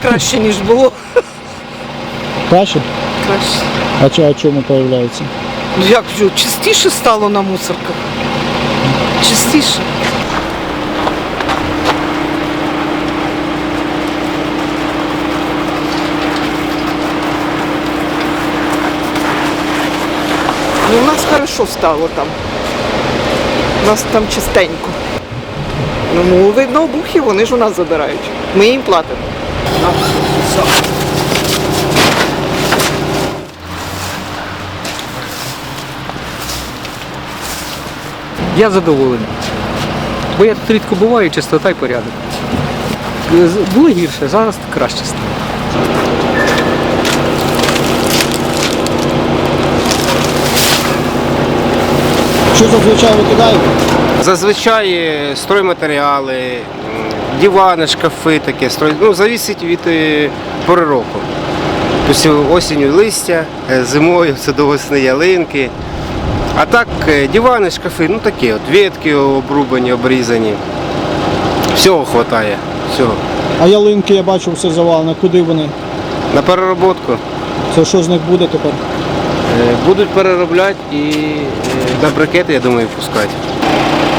краще, ніж було. Краще? Краще. А чому появляється? Ну як що, частіше стало на мусорках? Частіше. Ну, у нас хорошо стало там. У нас там чистенько. Ну, видно, обухи, вони ж у нас забирають. Ми їм платимо. Я задоволений. Бо я тут рідко буваю, чистота і порядок. Було гірше, зараз краще стало. Що зазвичай викидаєте? Зазвичай стройматеріали, дивани, шкафи таке, ну, залежить від пори року. Тобто осінню листя, зимою це до весни ялинки. А так дивани, шкафи, ну такі от, ветки обрубані, обрізані. Всього вистачає, всього. А ялинки, я бачу, все завалено. Куди вони? На перероботку. Це що з них буде тепер? Будуть переробляти і на брикети, я думаю, пускати.